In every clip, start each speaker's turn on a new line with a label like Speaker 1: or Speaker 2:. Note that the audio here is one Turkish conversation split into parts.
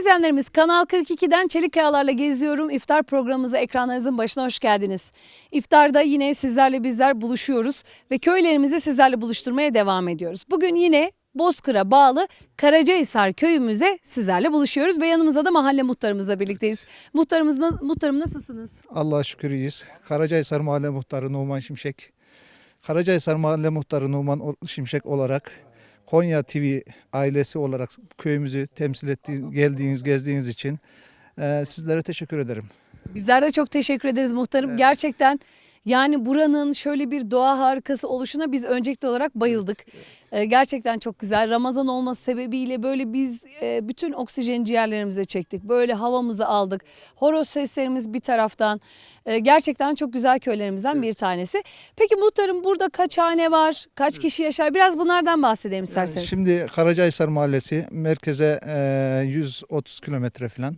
Speaker 1: izleyenlerimiz, Kanal 42'den Çelik Kayalar'la geziyorum. İftar programımıza ekranlarınızın başına hoş geldiniz. İftarda yine sizlerle bizler buluşuyoruz ve köylerimizi sizlerle buluşturmaya devam ediyoruz. Bugün yine Bozkır'a bağlı Karacahisar köyümüzde sizlerle buluşuyoruz ve yanımızda da mahalle muhtarımızla birlikteyiz. Muhtarım nasılsınız?
Speaker 2: Allah'a şükür iyiyiz. Karacahisar Mahalle Muhtarı Numan Şimşek. Karacahisar Mahalle Muhtarı Numan Şimşek olarak Konya TV ailesi olarak köyümüzü temsil geldiğiniz, gezdiğiniz için sizlere teşekkür ederim.
Speaker 1: Bizler de çok teşekkür ederiz muhtarım. Evet. Gerçekten yani buranın şöyle bir doğa harikası oluşuna biz öncelikli olarak bayıldık. Evet. Gerçekten çok güzel. Ramazan olması sebebiyle böyle biz bütün oksijeni ciğerlerimize çektik. Böyle havamızı aldık. Horoz seslerimiz bir taraftan. Gerçekten çok güzel köylerimizden bir tanesi. Peki muhtarım, burada kaç hane var? Kaç kişi yaşar? Biraz bunlardan bahsedelim isterseniz.
Speaker 2: Şimdi Karacahisar Mahallesi merkeze 130 kilometre falan.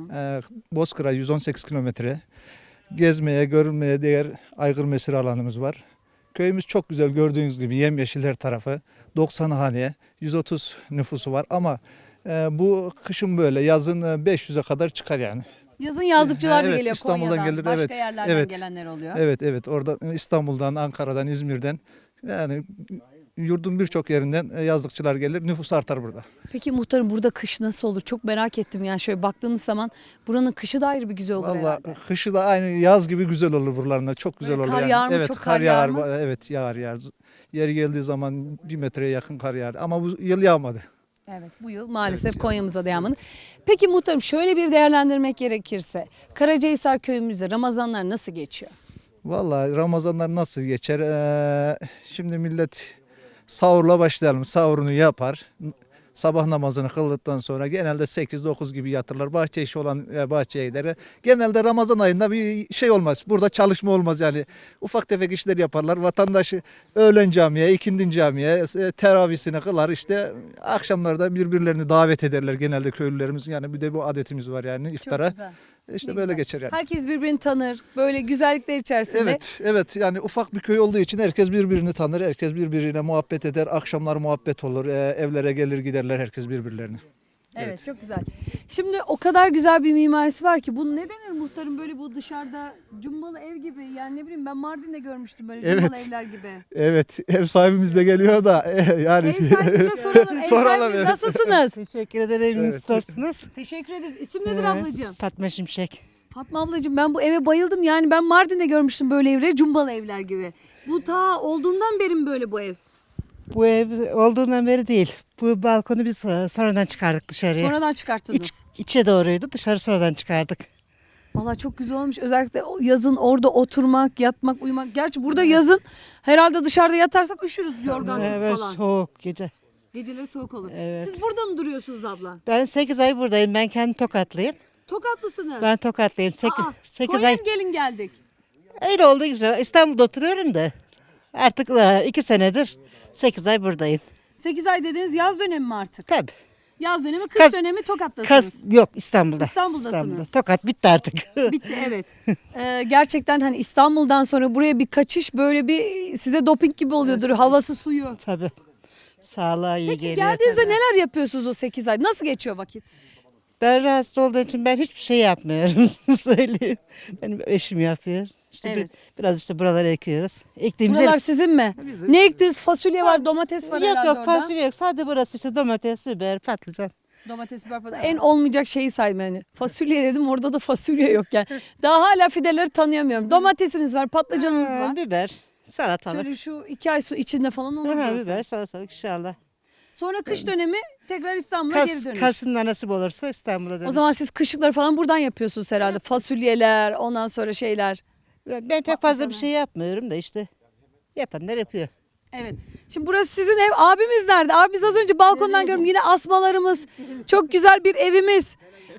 Speaker 2: Bozkır'a 118 kilometre. Gezmeye, görülmeye değer aygır mesire alanımız var. Köyümüz çok güzel, gördüğünüz gibi yemyeşil her tarafı. 90 hane, 130 nüfusu var ama bu kışın böyle, yazın 500'e kadar çıkar yani.
Speaker 1: Yazın yazlıkçılar da
Speaker 2: evet,
Speaker 1: geliyor
Speaker 2: İstanbul'dan
Speaker 1: Konya'dan,
Speaker 2: gelir,
Speaker 1: başka
Speaker 2: evet,
Speaker 1: yerlerden
Speaker 2: evet,
Speaker 1: gelenler oluyor.
Speaker 2: Evet, orada İstanbul'dan, Ankara'dan, İzmir'den, yani yurdun birçok yerinden yazlıkçılar gelir, nüfus artar burada.
Speaker 1: Peki muhtarım, burada kış nasıl olur? Çok merak ettim yani, şöyle baktığımız zaman buranın kışı da ayrı bir güzel olur
Speaker 2: Vallahi
Speaker 1: herhalde.
Speaker 2: kışı da aynı yaz gibi güzel olur buralarında, çok güzel
Speaker 1: Böyle
Speaker 2: olur.
Speaker 1: kar yağar mı?
Speaker 2: Evet,
Speaker 1: Çok
Speaker 2: kar
Speaker 1: yağar
Speaker 2: yağar,
Speaker 1: mı?
Speaker 2: evet, yağar. Yeri geldiği zaman 1 metreye yakın kar yağar ama bu yıl yağmadı.
Speaker 1: Evet, bu yıl maalesef
Speaker 2: Evet,
Speaker 1: Konya'mıza da yağmadı. Peki muhtarım, şöyle bir değerlendirmek gerekirse Karacahisar köyümüzde Ramazanlar nasıl geçiyor?
Speaker 2: Vallahi Ramazanlar nasıl geçer? Şimdi millet sahurla başlayalım. Sahurunu yapar. Sabah namazını kıldıktan sonra genelde 8-9 gibi yatırlar. Bahçe işi olan bahçeye gider. Genelde Ramazan ayında bir şey olmaz. Burada çalışma olmaz yani. Ufak tefek işler yaparlar. Vatandaşı öğlen camiye, ikindin camiye, teravisini kılar. İşte akşamlarda birbirlerini davet ederler genelde köylülerimiz. Yani bir de bu adetimiz var yani iftara.
Speaker 1: Çok güzel.
Speaker 2: İşte
Speaker 1: Ne
Speaker 2: böyle
Speaker 1: güzel.
Speaker 2: geçer yani.
Speaker 1: Herkes birbirini tanır. Böyle güzellikler içerisinde.
Speaker 2: Evet, yani ufak bir köy olduğu için herkes birbirini tanır, herkes birbiriyle muhabbet eder, akşamlar muhabbet olur, evlere gelir giderler herkes birbirlerini.
Speaker 1: Evet, çok güzel. Şimdi o kadar güzel bir mimarisi var ki, bu ne denir muhtarım, böyle bu dışarıda cumbalı ev gibi, yani ne bileyim, ben Mardin'de görmüştüm böyle cumbalı
Speaker 2: Evet.
Speaker 1: evler gibi.
Speaker 2: Evet, ev sahibimiz de geliyor da yani.
Speaker 1: Ev sahibimize soralım. Ev sahibimiz
Speaker 2: evet.
Speaker 1: nasılsınız?
Speaker 3: Teşekkür ederim.
Speaker 2: Evet.
Speaker 3: Nasılsınız?
Speaker 1: Teşekkür ederiz. İsim nedir ablacığım?
Speaker 3: Fatma Şimşek.
Speaker 1: Fatma ablacığım, ben bu eve bayıldım. Yani ben Mardin'de görmüştüm böyle evleri, cumbalı evler gibi. Bu ta olduğundan beri mi böyle bu ev?
Speaker 3: Bu ev olduğundan beri değil. Bu balkonu biz sonradan çıkardık dışarıya.
Speaker 1: Sonradan çıkarttınız.
Speaker 3: İçe doğruydu. Dışarı sonradan çıkardık.
Speaker 1: Vallahi çok güzel olmuş. Özellikle yazın orada oturmak, yatmak, uyumak. Gerçi burada yazın herhalde dışarıda yatarsak üşürüz, yorgansız
Speaker 3: Evet,
Speaker 1: falan.
Speaker 3: soğuk gece.
Speaker 1: Geceleri soğuk olur.
Speaker 3: Evet.
Speaker 1: Siz burada mı duruyorsunuz abla?
Speaker 3: Ben 8 ay buradayım. Ben kendim Tokatlıyım.
Speaker 1: Tokatlısınız.
Speaker 3: Ben Tokatlıyım. 8,
Speaker 1: Aa,
Speaker 3: 8
Speaker 1: Konya'ya
Speaker 3: ay.
Speaker 1: mı gelin geldik?
Speaker 3: Öyle oldu güzel. İstanbul'da oturuyorum da. Artık 2 senedir 8 ay buradayım.
Speaker 1: 8 ay dediğiniz yaz dönemi mi artık?
Speaker 3: Tabii.
Speaker 1: Yaz dönemi, kış
Speaker 3: Kas-
Speaker 1: dönemi Tokat'tasınız.
Speaker 3: Yok, İstanbul'da.
Speaker 1: İstanbul'dasınız.
Speaker 3: Tokat bitti artık.
Speaker 1: Bitti, evet. Gerçekten hani İstanbul'dan sonra buraya bir kaçış böyle bir size doping gibi oluyordur. Havası, suyu.
Speaker 3: Tabii. Sağlığa iyi
Speaker 1: Peki
Speaker 3: geliyor.
Speaker 1: geldiğinizde
Speaker 3: tabii.
Speaker 1: neler yapıyorsunuz o 8 ay? Nasıl geçiyor vakit?
Speaker 3: Ben rahatsız olduğum için ben hiçbir şey yapmıyorum söyleyeyim. Benim eşim yapıyor. İşte
Speaker 1: Evet.
Speaker 3: biraz işte buraları ekiyoruz. Ektiğimiz
Speaker 1: Buralar sizin mi?
Speaker 3: Bizim.
Speaker 1: Ne ektiniz? Fasulye var, domates var
Speaker 3: yok
Speaker 1: herhalde
Speaker 3: yok
Speaker 1: orada.
Speaker 3: fasulye yok. Sadece burası işte domates, biber, patlıcan.
Speaker 1: Domates, biber, patlıcan. En olmayacak şeyi saydım yani. Fasulye dedim, orada da fasulye yok yani. Daha hala fideleri tanıyamıyorum. Domatesimiz var, patlıcanımız var.
Speaker 3: Biber, salatalık.
Speaker 1: Şöyle şu 2 ay su içinde falan olur
Speaker 3: Aha,
Speaker 1: burası.
Speaker 3: biber, salatalık inşallah.
Speaker 1: Sonra kış dönemi tekrar İstanbul'a geri dönüş.
Speaker 3: Kasım'da nasip olursa İstanbul'a dönüş.
Speaker 1: O zaman siz kışlıkları falan buradan yapıyorsunuz herhalde. Fasulyeler, ondan sonra şeyler.
Speaker 3: Ben pek fazla bir şey yapmıyorum da işte yapanlar yapıyor.
Speaker 1: Evet. Şimdi burası sizin ev. Abimiz nerede? Abimiz az önce balkondan gördüm. Yine asmalarımız. Çok güzel bir evimiz.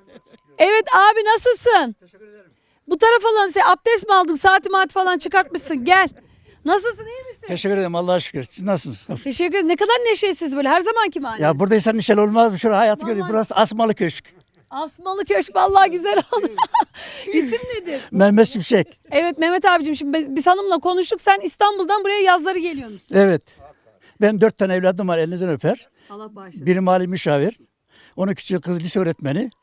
Speaker 1: Evet abi, nasılsın? Teşekkür ederim. Bu tarafa alalım. Sen abdest mi aldın? Saati maat falan çıkartmışsın. Gel. Nasılsın, iyi misin?
Speaker 4: Teşekkür ederim, Allah'a şükür. Siz nasılsınız?
Speaker 1: Teşekkür ederiz. Ne kadar neşesiz böyle. Her zamanki mahalleniz.
Speaker 4: Ya buradaysan neşeli olmaz mı? Şurada hayatı
Speaker 1: Vallahi-
Speaker 4: görüyor. Burası Asmalı Köşk.
Speaker 1: Asmalı Köşk vallahi güzel oldu. İsim nedir?
Speaker 4: Mehmet Şimşek.
Speaker 1: Evet Mehmet abicim, şimdi biz hanımla konuştuk. Sen İstanbul'dan buraya yazları geliyorsun.
Speaker 4: Evet. Ben 4 tane evladım var, elinizden öper.
Speaker 1: Allah bağışlasın.
Speaker 4: Biri mali müşavir. Onun küçük kız lise öğretmeni.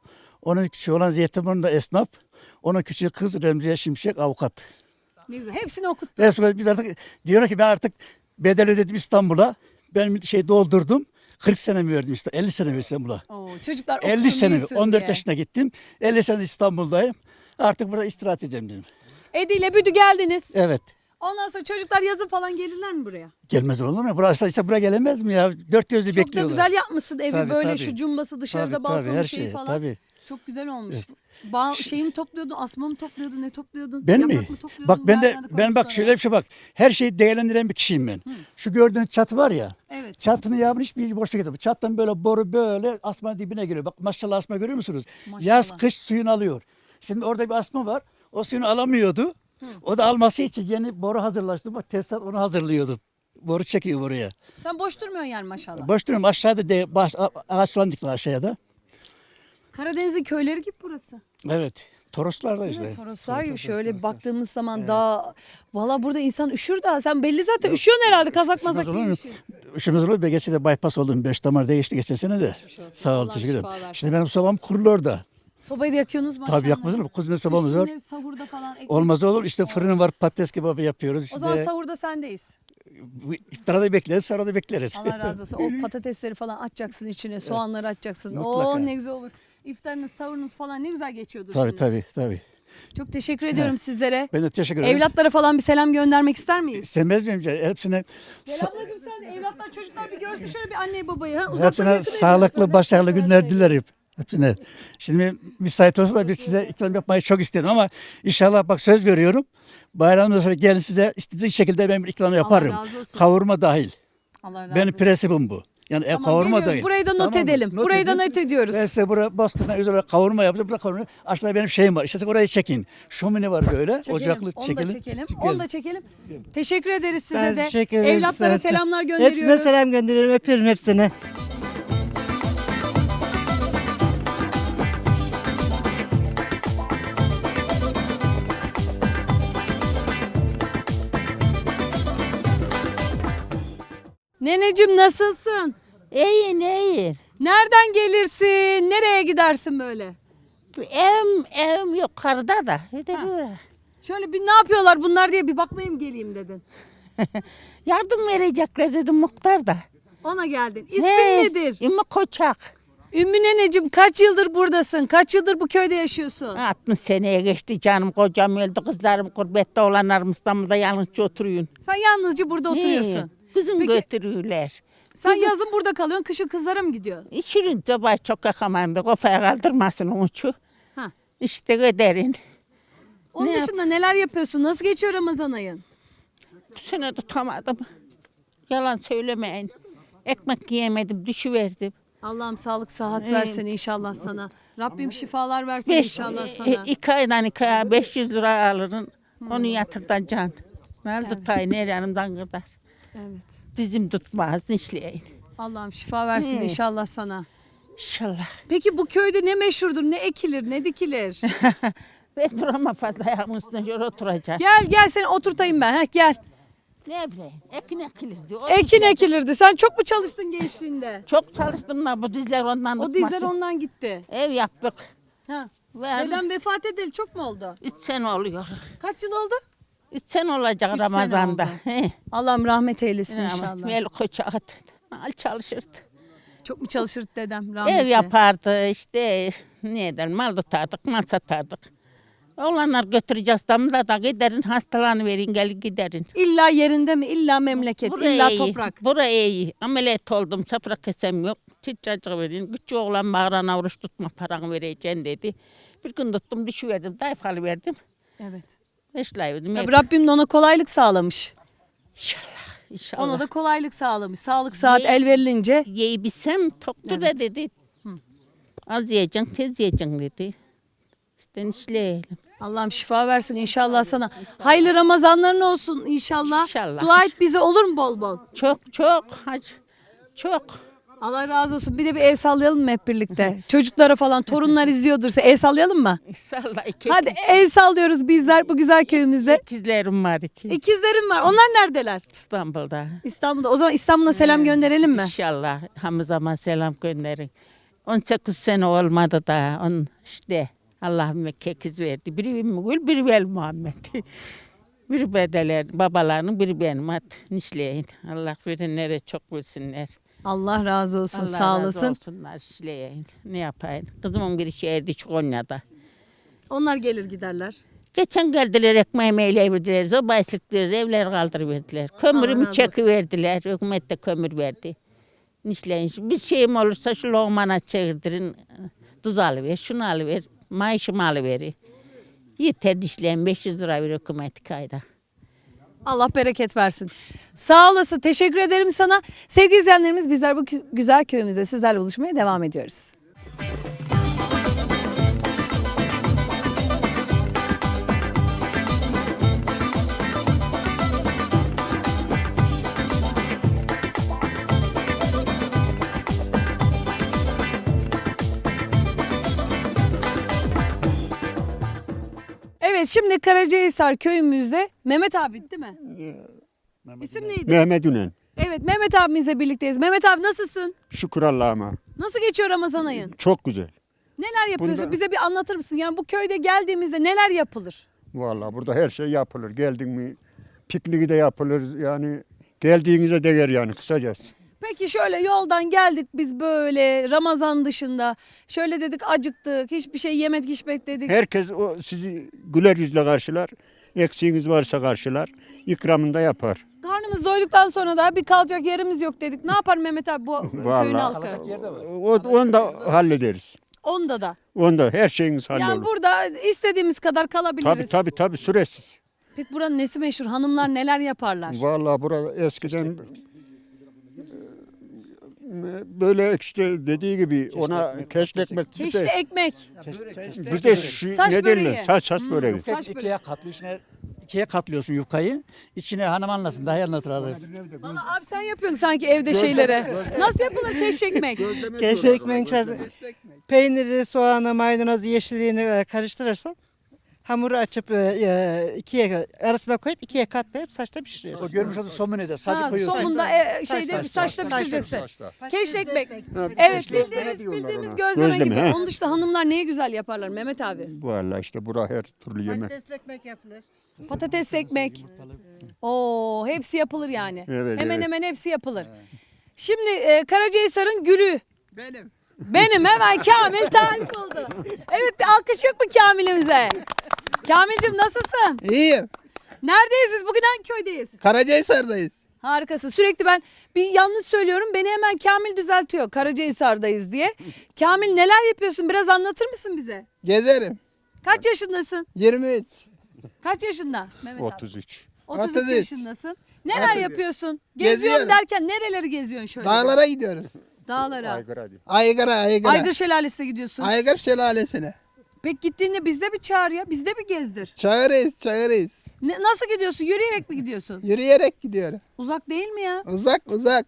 Speaker 4: Onun küçüğü olan Zeytinburnu'nda esnaf. Onun küçüğü kız Remziye Şimşek avukat.
Speaker 1: Ne güzel. Hepsini okuttu.
Speaker 4: Hepsi, biz artık diyorum ki ben artık bedel ödedim İstanbul'a. Ben doldurdum. 40 sene mi verdim İstanbul'a? 50 sene mi İstanbul'a?
Speaker 1: Oo, çocuklar
Speaker 4: 50
Speaker 1: okusun,
Speaker 4: sene,
Speaker 1: büyüsün
Speaker 4: 14
Speaker 1: diye.
Speaker 4: yaşına gittim. 50 sene İstanbul'dayım. Artık burada istirahat edeceğim dedim.
Speaker 1: Edi ile Büdü geldiniz.
Speaker 4: Evet.
Speaker 1: Ondan sonra çocuklar yazın falan gelirler mi buraya?
Speaker 4: Gelmez olur mu? Burası işte buraya gelemez mi ya? Dört gözle
Speaker 1: Çok da
Speaker 4: bekliyorlar.
Speaker 1: güzel yapmışsın evi
Speaker 4: Tabii,
Speaker 1: böyle
Speaker 4: tabii.
Speaker 1: şu cumbası dışarıda
Speaker 4: Tabii,
Speaker 1: balkonu
Speaker 4: tabii, her
Speaker 1: şeyi
Speaker 4: şey,
Speaker 1: falan.
Speaker 4: tabii.
Speaker 1: Çok güzel olmuş. Şeyi mi topluyordun, asma mı topluyordun, ne topluyordun?
Speaker 4: Ben
Speaker 1: Yaprak
Speaker 4: mi?
Speaker 1: mı topluyordun?
Speaker 4: Bak ben de
Speaker 1: Nereden
Speaker 4: ben bak
Speaker 1: koydun
Speaker 4: şöyle bir şey bak. Her şeyi değerlendiren bir kişiyim ben. Şu gördüğünüz çatı var ya.
Speaker 1: Evet.
Speaker 4: Çatını yağmur hiçbir boşluk etmiyor. Çattan böyle boru böyle asmanın dibine geliyor. Bak maşallah asma görüyor musunuz?
Speaker 1: Maşallah.
Speaker 4: Yaz kış suyunu alıyor. Şimdi orada bir asma var. O suyunu alamıyordu. O da alması için yeni boru hazırlaştı. Bak tesisat onu hazırlıyordu. Boru çekiyor buraya.
Speaker 1: Sen boş durmuyorsun yani maşallah.
Speaker 4: Boş duruyorum aşağıda ağaç falan diktiler aşağıda.
Speaker 1: Karadeniz'in köyleri gibi burası.
Speaker 4: Evet. Toroslarda işte.
Speaker 1: Evet, Toroslar gibi
Speaker 4: Toroslar,
Speaker 1: şöyle
Speaker 4: Toroslar.
Speaker 1: baktığımız zaman daha valla burada insan üşür daha. Sen belli zaten üşüyorsun herhalde kazak mazak
Speaker 4: Üşümez olur mu?
Speaker 1: giymişsin.
Speaker 4: Üşümez olur mu? Geçen de bypass oldum. 5 damar değişti geçen sene de. Sağ ol
Speaker 1: Allah
Speaker 4: teşekkür ederim.
Speaker 1: şifa versin.
Speaker 4: Şimdi benim sobam kurulu orada.
Speaker 1: Sobayı da yakıyorsunuz maşallah.
Speaker 4: Tabii yakmadın mı? Kuzine sobamız var.
Speaker 1: Üstüne sahurda falan ekmek.
Speaker 4: Olmaz olur. İşte fırın var, patates kebabı yapıyoruz.
Speaker 1: O
Speaker 4: İşte
Speaker 1: zaman sahurda sendeyiz.
Speaker 4: bu iftara da bekleriz, sonra da bekleriz.
Speaker 1: Allah razı olsun. O patatesleri falan atacaksın içine, soğanları atacaksın.
Speaker 4: Mutlaka.
Speaker 1: Oo ne güzel olur. İftarınız, sahurunuz falan ne güzel geçiyordur
Speaker 4: Tabii
Speaker 1: şimdi.
Speaker 4: tabii tabii.
Speaker 1: Çok teşekkür ediyorum sizlere.
Speaker 4: Ben de teşekkür ederim.
Speaker 1: Evlatlara falan bir selam göndermek ister miyiz?
Speaker 4: İstemez miyim? Hepsine
Speaker 1: Gel ablacığım sen evlatlar çocuklar bir görsün şöyle bir anneyi babayı. Ha? Uzaktan
Speaker 4: hepsine
Speaker 1: yakın
Speaker 4: sağlıklı,
Speaker 1: evlatlar.
Speaker 4: başarılı günler dilerim. Hepsine. Şimdi müsait olsa da biz size ikram yapmayı çok istedim ama inşallah bak söz veriyorum. Bayramdan sonra gelin size istediğiniz şekilde ben bir ikram yaparım.
Speaker 1: razı olsun.
Speaker 4: Kavurma dahil.
Speaker 1: Allah razı
Speaker 4: Benim
Speaker 1: olsun.
Speaker 4: prensibim bu. Yani
Speaker 1: Tamam,
Speaker 4: kavurma
Speaker 1: geliyoruz.
Speaker 4: dahil.
Speaker 1: Burayı da not
Speaker 4: Tamam mı?
Speaker 1: edelim. Burayı da
Speaker 4: edin.
Speaker 1: not ediyoruz.
Speaker 4: Ben size buraya Bozkır'dan özel olarak kavurma yapacağım. Burada kavurma. Aşağıda benim şeyim var. İşte orayı çekin. Şömine var böyle.
Speaker 1: Çekelim.
Speaker 4: Ocaklı
Speaker 1: Onu
Speaker 4: çekelim.
Speaker 1: da çekelim. Onu da çekelim. Teşekkür ederiz size
Speaker 3: Ben
Speaker 1: de.
Speaker 3: teşekkür ederim.
Speaker 1: Evlatlara
Speaker 3: Size-
Speaker 1: selamlar gönderiyoruz.
Speaker 3: Hepsine selam gönderiyorum. Öpüyorum hepsini.
Speaker 1: Neneciğim nasılsın?
Speaker 5: İyi iyi.
Speaker 1: Nereden gelirsin? Nereye gidersin böyle?
Speaker 5: Evim yukarıda da. Bir de böyle.
Speaker 1: Şöyle bir ne yapıyorlar bunlar diye bir bakmaya mı geleyim dedin.
Speaker 5: Yardım verecekler dedi muhtar da.
Speaker 1: Ona geldin. İsmin
Speaker 5: He,
Speaker 1: nedir?
Speaker 5: İmi Koçak.
Speaker 1: Ümmü neneciğim kaç yıldır buradasın? Kaç yıldır bu köyde yaşıyorsun?
Speaker 5: 60 seneye geçti canım. Kocam öldü. Kızlarım gurbette olanlarım İstanbul'da yalnızca oturuyorsun.
Speaker 1: Sen yalnızca burada oturuyorsun.
Speaker 5: He, Kızım
Speaker 1: Peki-
Speaker 5: götürüyorlar.
Speaker 1: Sen yazın burada kalıyorsun, kışın kızlara mı gidiyorsun?
Speaker 5: İçirin sabah çok yakamandı. Kafaya kaldırmasın uçu.
Speaker 1: Ha.
Speaker 5: İşte göderin.
Speaker 1: Onun
Speaker 5: Ne
Speaker 1: dışında neler yapıyorsun? Nasıl geçiyor Ramazan ayın?
Speaker 5: Bu sene tutamadım. Yalan söylemeyin. Ekmek yiyemedim. Düşüverdim.
Speaker 1: Allah'ım sağlık sıhhat
Speaker 5: Evet.
Speaker 1: versin inşallah sana. Rabbim şifalar versin inşallah sana.
Speaker 5: 2 aydan 2 aya 500 lira alırın. Onu yatırtacaksın. Nerede tay ne yanımdan kadar.
Speaker 1: Evet.
Speaker 5: Dizim tutmaz işleyin.
Speaker 1: Allah'ım şifa versin
Speaker 5: He.
Speaker 1: inşallah sana.
Speaker 5: İnşallah.
Speaker 1: Peki bu köyde ne meşhurdur? Ne ekilir, ne dikilir?
Speaker 5: Ben duramam fazla ayağımın üstüne şöyle oturacağım.
Speaker 1: Gel seni oturtayım ben. Heh, gel.
Speaker 5: Ne bileyim ekin ekilirdi. O
Speaker 1: Ekin
Speaker 5: dizler-
Speaker 1: ekilirdi. Sen çok mu çalıştın gençliğinde?
Speaker 5: Çok çalıştım da bu dizler ondan
Speaker 1: O dizler
Speaker 5: tutmasın.
Speaker 1: ondan gitti.
Speaker 5: Ev yaptık.
Speaker 1: Ha.
Speaker 5: Verdim.
Speaker 1: Dedem vefat edeli çok mu oldu?
Speaker 5: 3 sene oluyor.
Speaker 1: Kaç yıl oldu?
Speaker 5: 3 sene olacak
Speaker 1: Üç sene
Speaker 5: Ramazan'da.
Speaker 1: oldu.
Speaker 5: He.
Speaker 1: Allah'ım rahmet eylesin
Speaker 5: Ama
Speaker 1: inşallah.
Speaker 5: Mel Koçak al çalışırdı.
Speaker 1: Çok mu çalışırdı dedem rahmetli?
Speaker 5: Ev yapardı işte ne eder mal tutardık mal satardık. Oğlanlar götüreceğiz İstanbul'a da giderin hastalarını verin gelin giderin.
Speaker 1: İlla yerinde mi? İlla memleket, illa
Speaker 5: iyi.
Speaker 1: toprak.
Speaker 5: Buraya iyi. Ameliyat oldum. Safra kesem yok. Çiçacık verin. Küçük oğlan bağırana oruç tutma paranı vereceğim dedi. Bir gün tuttum düşüverdim. Dayfalı verdim.
Speaker 1: Evet.
Speaker 5: Beşlayverdim.
Speaker 1: Tabii Rabbim de ona kolaylık sağlamış.
Speaker 5: İnşallah. İnşallah.
Speaker 1: Ona da kolaylık sağlamış. Sağlık saat
Speaker 5: Ye-
Speaker 1: el verilince.
Speaker 5: Yiyebilsem toktu da dedi. Az yiyeceksin tez yiyeceksin dedi. İşte işleyelim.
Speaker 1: Allah'ım şifa versin inşallah sana. Hayırlı Ramazanların olsun inşallah.
Speaker 5: İnşallah.
Speaker 1: Dua et bize olur mu bol bol?
Speaker 5: Çok hacı. Çok.
Speaker 1: Allah razı olsun. Bir de bir el sallayalım mı hep birlikte? Çocuklara falan torunlar izliyordursa el sallayalım mı?
Speaker 5: İnşallah iki
Speaker 1: Hadi el sallıyoruz bizler bu güzel köyümüzde.
Speaker 5: ikizlerim var iki.
Speaker 1: İkizlerim var. Onlar neredeler?
Speaker 5: İstanbul'da.
Speaker 1: İstanbul'da. O zaman İstanbul'a selam gönderelim mi?
Speaker 5: İnşallah. Hamı zaman selam gönderin. 18 sene olmadı da on işte Allah'ım kekiz verdi. Biri Ümmügül, biri Vel Muhammed. Biri bedeler, babalarının biri benim at nişleyin. Allah verenlere çok versinler.
Speaker 1: Allah razı olsun.
Speaker 5: Allah
Speaker 1: Sağ
Speaker 5: razı
Speaker 1: olasın.
Speaker 5: olsunlar işleyin. Ne yapayım? Kızımın biri şehirde Konya'da.
Speaker 1: Onlar gelir giderler.
Speaker 5: Geçen geldiler ekmeğimi eleverdiler, zobayı sıktılar, evler kaldırıverdiler. Kömürümü
Speaker 1: razı olsun.
Speaker 5: çekiverdiler, hükümet de kömür verdi. Nişleyin, bir şeyim olursa şu lokmana çevirdirin, tuz alıver, şunu alıver, maaşımı alıver. Yeter nişleyin, 500 lira ver hükümet kayda.
Speaker 1: Allah bereket versin. Sağ olasın. Teşekkür ederim sana. Sevgili izleyenlerimiz bizler bu güzel köyümüzde sizlerle buluşmaya devam ediyoruz. Evet, şimdi Karacahisar köyümüzde Mehmet abi değil mi? İsim neydi?
Speaker 6: Mehmet Ünen.
Speaker 1: Evet, Mehmet abimizle birlikteyiz. Mehmet abi nasılsın?
Speaker 6: Şükür Allah'ıma.
Speaker 1: Nasıl geçiyor Ramazan ayın?
Speaker 6: Çok güzel.
Speaker 1: Neler yapıyorsun?
Speaker 6: Bunda-
Speaker 1: Bize bir anlatır mısın? Yani bu köyde geldiğimizde neler yapılır?
Speaker 6: Vallahi burada her şey yapılır. Geldin mi pikniği de yapılır. Yani geldiğinize değer yani kısacası.
Speaker 1: Peki şöyle yoldan geldik biz böyle Ramazan dışında. Şöyle dedik acıktık, hiçbir şey yemedik içmek dedik.
Speaker 6: Herkes o sizi güler yüzle karşılar. Eksiğiniz varsa karşılar. İkramında yapar.
Speaker 1: Karnımız doyduktan sonra da bir kalacak yerimiz yok dedik. Ne yapar Mehmet abi bu köyün
Speaker 6: Vallahi.
Speaker 1: halkı?
Speaker 6: Onu da hallederiz.
Speaker 1: Onda da.
Speaker 6: Onda her şeyiniz hallolur.
Speaker 1: Yani burada istediğimiz kadar kalabiliriz.
Speaker 6: Tabii süresiz.
Speaker 1: Peki buranın nesi meşhur? Hanımlar neler yaparlar?
Speaker 6: Vallahi burada eskiden böyle işte dediği gibi ona keşke ekmek
Speaker 1: Keşli ekmek.
Speaker 6: bir de şu
Speaker 1: Saç
Speaker 6: ne
Speaker 1: böreği.
Speaker 6: derler? Saç böreği.
Speaker 1: Saç böreği.
Speaker 4: İkiye katlıyor. İkiye katlıyorsun yufkayı. İçine hanım anlasın. Daha iyi anlatır abi.
Speaker 1: Valla abi sen yapıyorsun sanki evde şeylere. Nasıl yapılır keş ekmek?
Speaker 3: Keşke ekmeğin içerisine peyniri, soğanı, maydanozu, yeşilliğini karıştırırsan hamuru açıp ikiye arasına koyup ikiye katlayıp saçta pişiriyorsun.
Speaker 4: O görmüş olduğu somunede sacı
Speaker 1: Ha,
Speaker 4: koyuyorsun.
Speaker 1: sonunda şeyde saçta pişireceksin. Keş ekmek.
Speaker 6: Ha,
Speaker 1: Evet
Speaker 6: işte
Speaker 1: bildiğimiz,
Speaker 6: ne diyorlar
Speaker 1: bildiğimiz
Speaker 6: ona?
Speaker 1: gözleme gibi.
Speaker 6: he.
Speaker 1: Onun dışında hanımlar neyi güzel yaparlar Mehmet abi?
Speaker 6: Vallahi işte bura her türlü yemek.
Speaker 3: ekmek yapılır.
Speaker 1: Patates ekmek. Oo, hepsi yapılır yani.
Speaker 6: Evet,
Speaker 1: Hemen
Speaker 6: evet.
Speaker 1: hemen hepsi yapılır. Şimdi Karacahisar'ın gülü.
Speaker 7: Benim.
Speaker 1: Benim hemen Kamil tarif oldu. Evet bir alkış yok mu Kamil'imize? Kamil'cim nasılsın?
Speaker 7: İyiyim.
Speaker 1: Neredeyiz biz? Bugün hangi köydeyiz?
Speaker 7: Karacahisar'dayız.
Speaker 1: Harikasın. Sürekli ben bir yanlış söylüyorum. Beni hemen Kamil düzeltiyor. Karacahisar'dayız diye. Kamil neler yapıyorsun? Biraz anlatır mısın bize?
Speaker 7: Gezerim.
Speaker 1: Kaç yaşındasın?
Speaker 7: 23.
Speaker 1: Kaç yaşında Mehmet abi?
Speaker 6: 33.
Speaker 1: 33
Speaker 7: 33.
Speaker 1: yaşındasın. Neler
Speaker 7: 33.
Speaker 1: yapıyorsun? Geziyorum
Speaker 7: Geziyorum.
Speaker 1: derken nereleri geziyorsun şöyle?
Speaker 7: Dağlara gidiyoruz.
Speaker 1: Dağlara.
Speaker 6: Aygır hadi.
Speaker 7: Aygır'a.
Speaker 1: Aygır Şelalesi'ne gidiyorsun.
Speaker 7: Aygır şelalesine.
Speaker 1: Peki gittiğinde bizde bir çağır ya. Bizde bir gezdir.
Speaker 7: Çağırırız.
Speaker 1: Nasıl gidiyorsun? Yürüyerek mi gidiyorsun?
Speaker 7: Yürüyerek gidiyorum.
Speaker 1: Uzak değil mi ya?
Speaker 7: Uzak.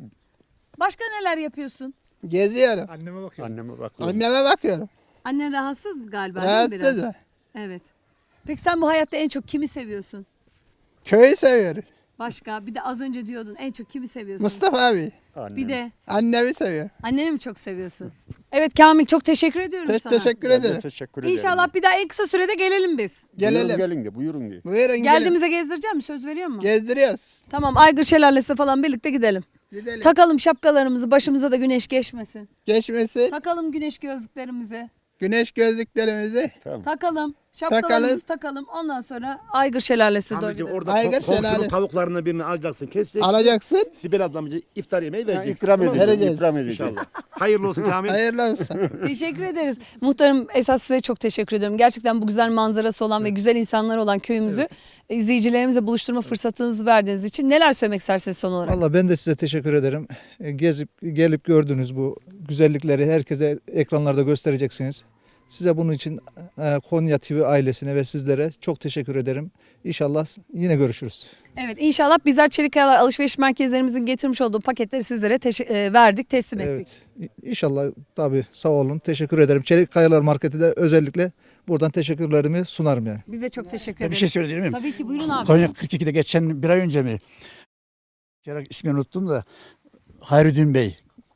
Speaker 1: Başka neler yapıyorsun?
Speaker 7: Geziyorum.
Speaker 2: Anneme bakıyorum.
Speaker 6: Anneme bakıyorum.
Speaker 7: Anneme bakıyorum.
Speaker 1: Annen rahatsız galiba değil mi biraz?
Speaker 7: Rahatsız mı?
Speaker 1: Evet. Peki sen bu hayatta en çok kimi seviyorsun?
Speaker 7: Köyü seviyoruz.
Speaker 1: Başka? Bir de az önce diyordun en çok kimi seviyorsun?
Speaker 7: Mustafa abi.
Speaker 6: Annem.
Speaker 1: Bir de
Speaker 7: Annemi seviyorum.
Speaker 1: anneni mi çok seviyorsun? Evet Kamil çok teşekkür ediyorum sana.
Speaker 7: Teşekkür
Speaker 6: Ben de
Speaker 7: ederim.
Speaker 6: teşekkür ederim.
Speaker 1: İnşallah bir daha en kısa sürede gelelim biz.
Speaker 7: Gelelim.
Speaker 6: Gelin de buyurun de.
Speaker 7: Buyurun gelin.
Speaker 1: Geldiğimize gezdireceğim mi? Söz veriyor musun?
Speaker 7: Gezdiriyoruz.
Speaker 1: Tamam Aygır Şelalesi falan birlikte gidelim.
Speaker 7: Gidelim.
Speaker 1: Takalım şapkalarımızı başımıza da güneş geçmesin.
Speaker 7: Geçmesi.
Speaker 1: Takalım güneş gözlüklerimizi.
Speaker 7: Güneş gözlüklerimizi.
Speaker 1: Takalım. Şapkalarımızı takalım. Ondan sonra Aygır Şelalesi'ne doğru
Speaker 8: Amca
Speaker 1: gidelim.
Speaker 8: orada
Speaker 7: Aygır
Speaker 8: komşunun
Speaker 7: şelale.
Speaker 8: tavuklarını birini alacaksın, keseceksin.
Speaker 7: Alacaksın.
Speaker 8: Sibel ablamcı iftar yemeği vereceksin.
Speaker 6: İkram
Speaker 8: Tamam mı?
Speaker 6: edeceğim.
Speaker 7: Vereceğiz.
Speaker 6: İkram edeceğim.
Speaker 8: İnşallah. Hayırlı olsun Kamil.
Speaker 7: Hayırlı olsun.
Speaker 1: Teşekkür ederiz. Muhtarım esas size çok teşekkür ediyorum. Gerçekten bu güzel manzarası olan ve güzel insanlar olan köyümüzü izleyicilerimize buluşturma fırsatınızı verdiğiniz için neler söylemek istersiniz son olarak?
Speaker 2: Valla ben de size teşekkür ederim. Gezip gelip gördünüz bu güzellikleri herkese ekranlarda göstereceksiniz. Size bunun için Konya TV ailesine ve sizlere çok teşekkür ederim. İnşallah yine görüşürüz.
Speaker 1: Evet inşallah bizler Çelikkayalar alışveriş merkezlerimizin getirmiş olduğu paketleri sizlere verdik, teslim ettik.
Speaker 2: Evet. İnşallah tabii sağ olun. Teşekkür ederim. Çelik Kayalar Marketi de özellikle buradan teşekkürlerimi sunarım yani.
Speaker 1: Biz de çok teşekkür
Speaker 4: Bir
Speaker 1: ederiz.
Speaker 4: şey söyleyebilir miyim?
Speaker 1: Tabii ki buyurun abi.
Speaker 4: Konya 42'de geçen bir ay önce mi? İsmini unuttum da Hayrettin Bey.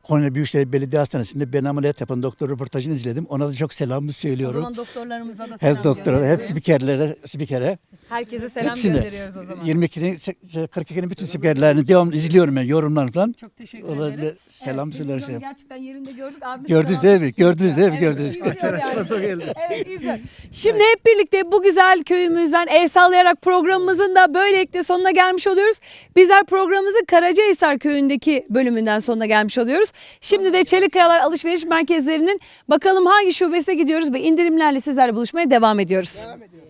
Speaker 4: Konya Büyükşehir Belediye Hastanesi'nde ben ameliyat yapan doktor röportajını izledim. Ona da çok selamımı
Speaker 1: O
Speaker 4: söylüyorum.
Speaker 1: zaman doktorlarımıza da selam
Speaker 4: Hem doktora, hem
Speaker 1: gönderiyoruz.
Speaker 4: spikere.
Speaker 1: Herkese selam
Speaker 4: Hepsine.
Speaker 1: gönderiyoruz o zaman.
Speaker 4: 42'nin bütün spikerlerini devamlı izliyorum ben, yorumlarını falan.
Speaker 1: Çok teşekkür
Speaker 4: Ona
Speaker 1: ederiz.
Speaker 4: bir selam söyleriz.
Speaker 1: televizyonu gerçekten yerinde gördük. Abimiz
Speaker 4: Gördünüz
Speaker 1: devam
Speaker 4: değil mi? Gördünüz değil mi?
Speaker 1: Evet,
Speaker 4: Gördünüz.
Speaker 1: izliyor yani.
Speaker 2: Açması geldi.
Speaker 1: Evet izliyor. Şimdi hep birlikte bu güzel köyümüzden el sallayarak programımızın da böylelikle sonuna gelmiş oluyoruz. Bizler programımızın Karacahisar köyündeki bölümünden sonuna gelmiş oluyoruz. Şimdi de Çelikkayalar Alışveriş Merkezlerinin bakalım hangi şubesine gidiyoruz ve indirimlerle sizlerle buluşmaya devam ediyoruz.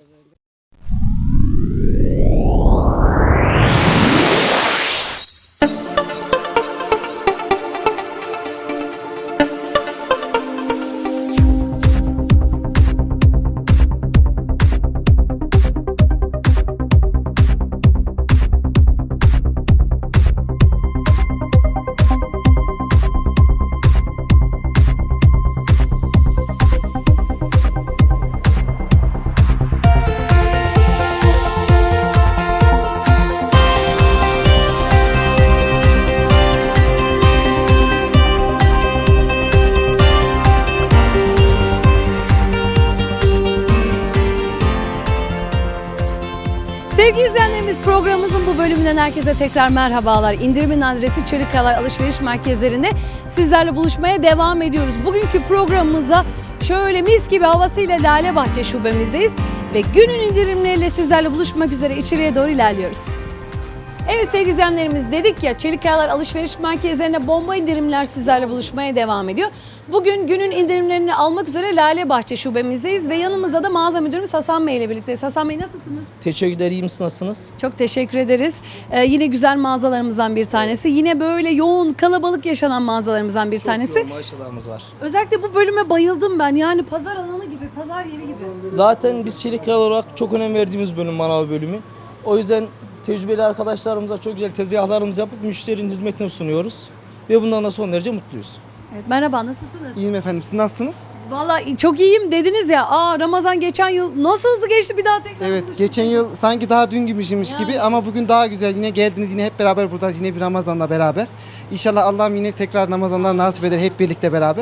Speaker 1: Sevgili izleyenlerimiz, programımızın bu bölümünden herkese tekrar merhabalar. İndirimin adresi Çelikkayalar Alışveriş Merkezlerinde sizlerle buluşmaya devam ediyoruz. Bugünkü programımıza şöyle mis gibi havasıyla Lale Bahçe şubemizdeyiz ve günün indirimleriyle sizlerle buluşmak üzere içeriye doğru ilerliyoruz. Evet sevgili izleyenlerimiz, dedik ya Çelikkayalar Alışveriş Merkezlerine bomba indirimler sizlerle buluşmaya devam ediyor. Bugün günün indirimlerini almak üzere Lale Bahçe şubemizdeyiz ve yanımızda da mağaza müdürümüz Hasan Bey ile birlikteyiz. Hasan Bey nasılsınız?
Speaker 9: Teşekkürler, iyi misiniz, nasılsınız?
Speaker 1: Çok teşekkür ederiz. Yine güzel mağazalarımızdan bir tanesi. Yine böyle yoğun, kalabalık yaşanan mağazalarımızdan bir tanesi.
Speaker 9: Yoğun maaşlarımız var.
Speaker 1: Özellikle bu bölüme bayıldım ben. Yani pazar alanı gibi, pazar yeri gibi.
Speaker 9: Zaten biz Çelikkayalar olarak çok önem verdiğimiz bölüm manav bölümü. O yüzden tecrübeli arkadaşlarımıza çok güzel tezgahlarımızı yapıp müşterinin hizmetine sunuyoruz. Ve bundan da son derece mutluyuz.
Speaker 1: Evet, merhaba, nasılsınız?
Speaker 10: İyiyim efendim. Siz nasılsınız?
Speaker 1: Vallahi çok iyiyim dediniz ya. Ramazan geçen yıl nasıl hızlı geçti, bir daha tekrar
Speaker 10: Evet,
Speaker 1: buluştuk.
Speaker 10: geçen yıl sanki daha dün gibiymiş
Speaker 1: Yani.
Speaker 10: gibi ama bugün daha güzel. Yine geldiniz, yine hep beraber buradayız. Yine bir Ramazan'la beraber. İnşallah Allah'ım yine tekrar Ramazanlar nasip eder hep birlikte beraber.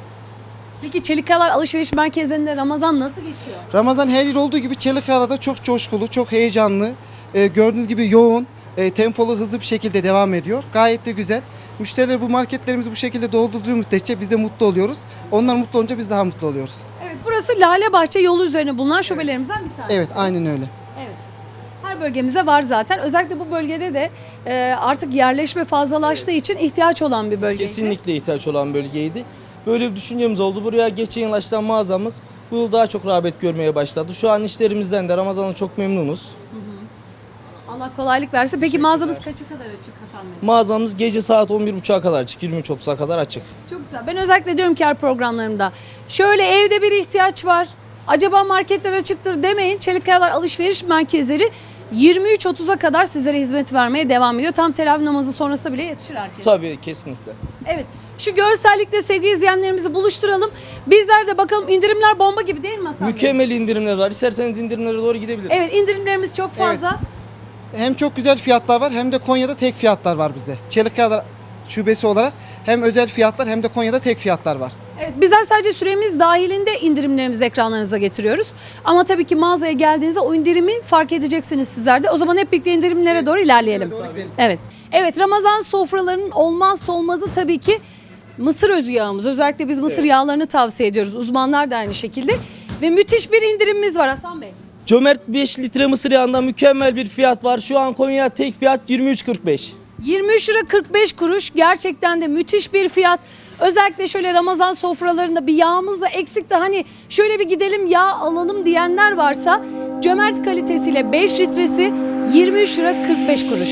Speaker 1: Peki Çelikkayalar Alışveriş Merkezlerinde Ramazan nasıl geçiyor?
Speaker 10: Ramazan her yıl olduğu gibi Çelikkaya'da çok coşkulu, çok heyecanlı. Gördüğünüz gibi yoğun, tempolu, hızlı bir şekilde devam ediyor. Gayet de güzel. Müşteriler bu marketlerimizi bu şekilde doldurduğu müddetçe biz de mutlu oluyoruz. Onlar mutlu olunca biz daha mutlu oluyoruz.
Speaker 1: Evet, burası Lale Bahçe yolu üzerine bulunan şubelerimizden bir tanesi.
Speaker 10: Evet, aynen öyle.
Speaker 1: Evet. Her bölgemizde var zaten. Özellikle bu bölgede de artık yerleşme fazlalaştığı için ihtiyaç olan bir bölge.
Speaker 9: Kesinlikle ihtiyaç olan bölgeydi. Böyle bir düşüncemiz oldu. Buraya geçen yıl açılan mağazamız bu yıl daha çok rağbet görmeye başladı. Şu an işlerimizden de Ramazan'dan çok memnunuz.
Speaker 1: Allah kolaylık versin. Peki mağazamız kaça kadar açık Hasan Bey?
Speaker 9: Mağazamız gece saat 11.30'a kadar açık, 23.30'a kadar açık.
Speaker 1: Çok güzel. Ben özellikle diyorum ki her programlarımda şöyle evde bir ihtiyaç var. Acaba marketler açıktır demeyin. Çelikkayalar Alışveriş Merkezleri 23.30'a kadar sizlere hizmet vermeye devam ediyor. Tam teravih namazı sonrası bile yetişir herkes.
Speaker 9: Tabii, kesinlikle.
Speaker 1: Evet. Şu görsellikle sevgili izleyenlerimizi buluşturalım. Bizler de bakalım, indirimler bomba gibi değil mi Hasan Bey?
Speaker 9: Mükemmel indirimler var. İsterseniz indirimlere doğru gidebiliriz.
Speaker 1: Evet, indirimlerimiz çok fazla.
Speaker 10: Hem çok güzel fiyatlar var hem de Konya'da tek fiyatlar var bize. Çelikkaya'lar şubesi olarak hem özel fiyatlar hem de Konya'da tek fiyatlar var.
Speaker 1: Evet, bizler sadece süremiz dahilinde indirimlerimizi ekranlarınıza getiriyoruz. Ama tabii ki mağazaya geldiğinizde o indirimi fark edeceksiniz sizler de. O zaman hep birlikte indirimlere doğru ilerleyelim. Evet. Evet, Ramazan sofralarının olmazsa olmazı tabii ki mısır özü yağımız. Özellikle biz mısır yağlarını tavsiye ediyoruz. Uzmanlar da aynı şekilde. Ve müthiş bir indirimimiz var Hasan Bey.
Speaker 9: Cömert 5 litre mısır yağından mükemmel bir fiyat var. Şu an Konya'da tek fiyat 23.45.
Speaker 1: 23 lira 45 kuruş, gerçekten de müthiş bir fiyat. Özellikle şöyle Ramazan sofralarında bir yağımız da eksikti, hani şöyle bir gidelim yağ alalım diyenler varsa cömert kalitesiyle 5 litresi 23 lira 45 kuruş.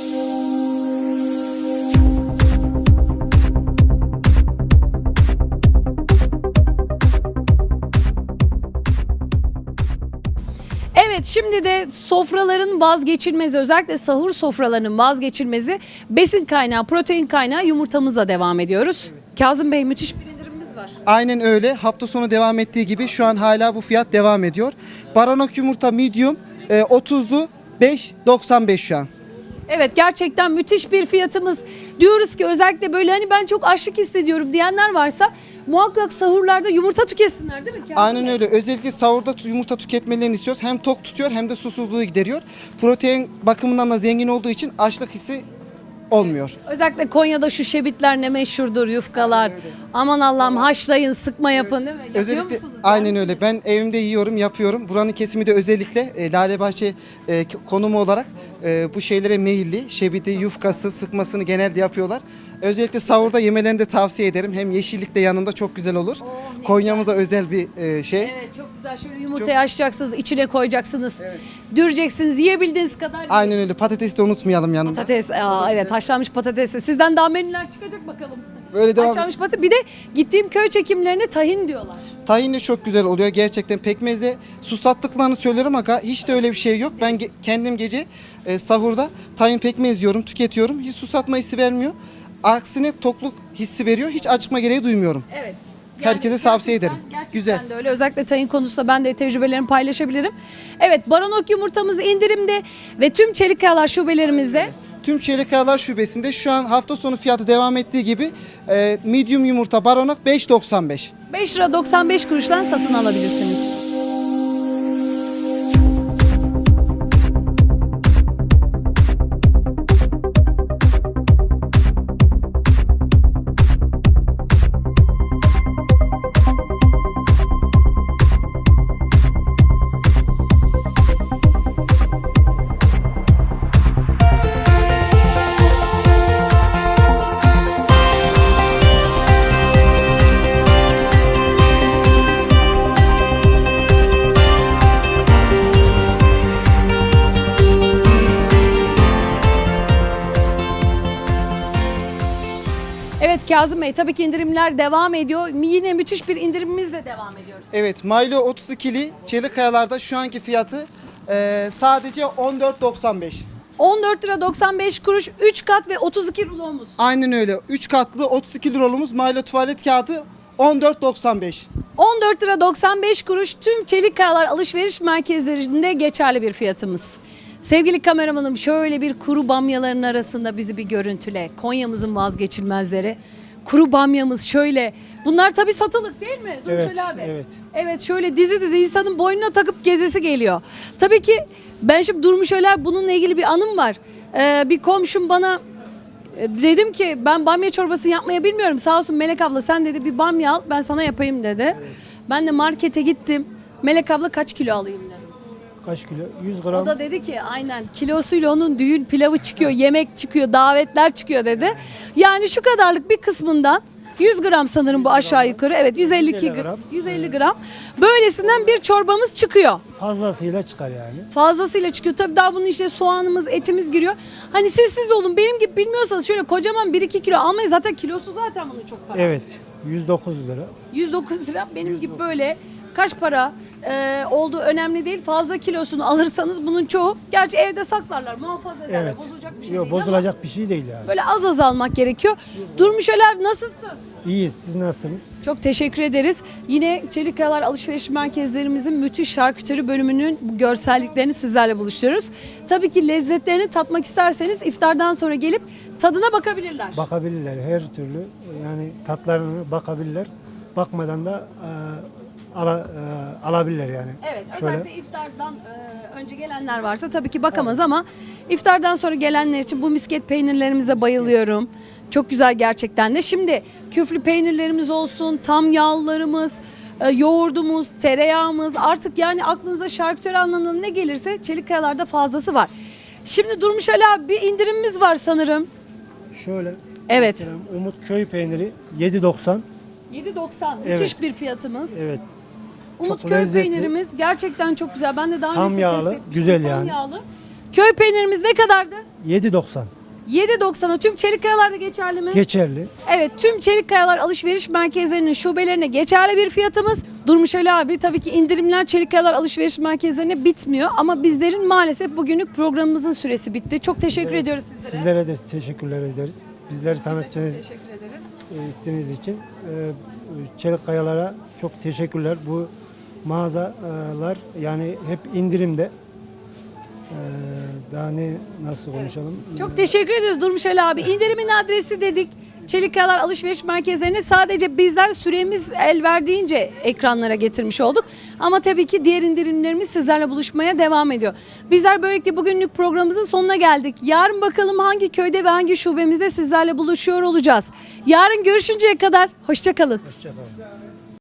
Speaker 1: Evet, şimdi de sofraların vazgeçilmezi, özellikle sahur sofralarının vazgeçilmezi besin kaynağı, protein kaynağı yumurtamızla devam ediyoruz. Kazım Bey, müthiş bir indirimimiz var.
Speaker 10: Aynen öyle. Hafta sonu devam ettiği gibi şu an hala bu fiyat devam ediyor. Baranok yumurta medium 30'lu 5.95 şu an.
Speaker 1: Evet, gerçekten müthiş bir fiyatımız. Diyoruz ki özellikle böyle hani ben çok açlık hissediyorum diyenler varsa muhakkak sahurlarda yumurta tüketsinler değil mi? Kazım
Speaker 10: Aynen
Speaker 1: Bey?
Speaker 10: öyle. Özellikle sahurda yumurta tüketmelerini istiyoruz. Hem tok tutuyor hem de susuzluğu gideriyor. Protein bakımından da zengin olduğu için açlık hissi olmuyor.
Speaker 1: Özellikle Konya'da şu şebitler ne meşhurdur, yufkalar. Aman Allah'ım, haşlayın, sıkma yapın değil mi? Yapıyor
Speaker 10: Özellikle
Speaker 1: musunuz?
Speaker 10: aynen öyle. Ben evimde yiyorum, yapıyorum. Buranın kesimi de özellikle Lalebahçe konumu olarak bu şeylere meyilli. Şebiti, yufkası, sıkmasını genelde yapıyorlar. Özellikle sahurda yemelerini de tavsiye ederim. Hem yeşillik de yanında çok güzel olur.
Speaker 1: ne
Speaker 10: Konya'mıza özel bir şey.
Speaker 1: Evet, çok güzel. Şöyle yumurtayı açacaksınız, içine koyacaksınız. Düreceksiniz, yiyebildiğiniz kadar. yiyin.
Speaker 10: Aynen öyle. Patatesi de unutmayalım yanında.
Speaker 1: Patates, evet, haşlanmış patates. Sizden daha menüler çıkacak bakalım.
Speaker 10: Böyle devam.
Speaker 1: Haşlanmış patates. Bir de gittiğim köy çekimlerine tahin diyorlar.
Speaker 10: Tahin de çok güzel oluyor. Gerçekten pekmezle susattıklarını söylerim ama hiç de öyle bir şey yok. Ben kendim gece sahurda tahin pekmez yiyorum, tüketiyorum. Hiç susatma hissi vermiyor. Aksine tokluk hissi veriyor. Hiç acıkma gereği duymuyorum.
Speaker 1: Evet.
Speaker 10: Herkese tavsiye ederim.
Speaker 1: Gerçekten
Speaker 10: Güzel.
Speaker 1: de öyle. Özellikle tayin konusunda ben de tecrübelerimi paylaşabilirim. Evet, Baronok yumurtamız indirimde ve tüm Çelikkayalar şubelerimizde.
Speaker 10: Tüm Çelikkayalar Şubesi'nde şu an hafta sonu fiyatı devam ettiği gibi medium yumurta baronok 5.95.
Speaker 1: 5 lira 95 kuruştan satın alabilirsiniz. Evet Kazım Bey, tabii ki indirimler devam ediyor. Yine müthiş bir indirimimizle devam ediyoruz.
Speaker 10: Evet, Milo 32'li Çelikkayalar'da şu anki fiyatı sadece 14.95.
Speaker 1: 14 lira 95 kuruş, 3 kat ve 32 rulomuz.
Speaker 10: Aynen öyle. 3 katlı 32 lirolumuz Milo tuvalet kağıdı 14.95.
Speaker 1: 14 lira 95 kuruş tüm Çelikkayalar alışveriş merkezlerinde geçerli bir fiyatımız. Sevgili kameramanım, şöyle bir kuru bamyaların arasında bizi bir görüntüle. Konya'mızın vazgeçilmezleri. Kuru bamyamız şöyle. Bunlar tabii satılık değil mi? Durmuş abi.
Speaker 9: evet.
Speaker 1: Evet, şöyle dizi dizi insanın boynuna takıp gezesi geliyor. Tabii ki ben şimdi Durmuş Öler bununla ilgili bir anım var. Bir komşum bana dedim ki ben bamya çorbası yapmayı bilmiyorum. Sağ olsun Melek abla, sen dedi bir bamya al ben sana yapayım dedi. Ben de markete gittim. Melek abla kaç kilo alayım dedim.
Speaker 9: Kaç kilo? 100
Speaker 1: O
Speaker 9: gram.
Speaker 1: da dedi ki aynen kilosuyla onun düğün pilavı çıkıyor, yemek çıkıyor, davetler çıkıyor dedi. Yani şu kadarlık bir kısmından 100 gram sanırım bu aşağı yukarı. Evet, 150
Speaker 9: gram.
Speaker 1: 150 gram. Böylesinden bir çorbamız çıkıyor.
Speaker 9: Fazlasıyla çıkar yani.
Speaker 1: Fazlasıyla çıkıyor. Tabii daha bunun içine soğanımız, etimiz giriyor. Hani siz olun, benim gibi bilmiyorsanız şöyle kocaman 1-2 kilo almayın. Zaten kilosu zaten bunun çok para.
Speaker 9: Evet. 109 lira.
Speaker 1: 109 lira benim gibi böyle kaç para olduğu önemli değil. Fazla kilosunu alırsanız bunun çoğu gerçi evde saklarlar, muhafaza ederler.
Speaker 9: Evet.
Speaker 1: Bozulacak bir şey
Speaker 9: Yok,
Speaker 1: değil ama
Speaker 9: bozulacak bir şey değil yani.
Speaker 1: böyle az almak gerekiyor. Durmuş Öler, nasılsın?
Speaker 9: İyiyiz. Siz nasılsınız?
Speaker 1: Çok teşekkür ederiz. Yine Çelikkayalar alışveriş merkezlerimizin müthiş şarküteri bölümünün bu görselliklerini sizlerle buluşturuyoruz. Tabii ki lezzetlerini tatmak isterseniz iftardan sonra gelip tadına bakabilirler.
Speaker 9: Bakabilirler her türlü. Yani tatlarına bakabilirler. Bakmadan da alabilirler yani.
Speaker 1: Evet,
Speaker 9: Şöyle.
Speaker 1: özellikle iftardan önce gelenler varsa tabii ki bakamaz ama iftardan sonra gelenler için bu misket peynirlerimize bayılıyorum. Çok güzel gerçekten de. Şimdi küflü peynirlerimiz olsun, tam yağlarımız, yoğurdumuz, tereyağımız, artık yani aklınıza şarküteri anlamında ne gelirse Çelikkayalar'da fazlası var. Şimdi Durmuş Ali abi, bir indirimimiz var sanırım.
Speaker 9: Şöyle.
Speaker 1: Evet.
Speaker 9: Umut köy peyniri 7.90.
Speaker 1: 7.90
Speaker 9: Evet.
Speaker 1: müthiş bir fiyatımız.
Speaker 9: Evet.
Speaker 1: Umut
Speaker 9: Çok
Speaker 1: köy
Speaker 9: lezzetli.
Speaker 1: peynirimiz gerçekten çok güzel. Ben de daha
Speaker 9: Tam
Speaker 1: önce
Speaker 9: yağlı,
Speaker 1: test etmiştim.
Speaker 9: güzel
Speaker 1: Tam
Speaker 9: yani.
Speaker 1: yağlı. Köy peynirimiz ne kadardı?
Speaker 9: 7.90.
Speaker 1: 7.90'a tüm Çelikkayalar'da geçerli mi?
Speaker 9: Geçerli.
Speaker 1: Evet, tüm Çelikkayalar alışveriş merkezlerinin şubelerine geçerli bir fiyatımız. Durmuş Ali abi, tabii ki indirimler Çelikkayalar alışveriş merkezlerine bitmiyor ama bizlerin maalesef bugünlük programımızın süresi bitti. Çok teşekkür ediyoruz sizlere.
Speaker 9: Sizlere de teşekkürler ederiz. Bizleri tanıttığınız
Speaker 1: Teşekkür ederiz.
Speaker 9: ettiğiniz için Çelikkayalar'a çok teşekkürler. Bu mağazalar yani hep indirimde.
Speaker 11: Daha ne nasıl konuşalım?
Speaker 1: Çok teşekkür ediyoruz Durmuş Ali abi. İndirimin adresi dedik. Çelik Kayalar alışveriş merkezlerini sadece bizler süremiz el verdiğince ekranlara getirmiş olduk. Ama tabii ki diğer indirimlerimiz sizlerle buluşmaya devam ediyor. Bizler böylelikle bugünlük programımızın sonuna geldik. Yarın bakalım hangi köyde ve hangi şubemizde sizlerle buluşuyor olacağız. Yarın görüşünceye kadar hoşça kalın.
Speaker 11: Hoşçakalın.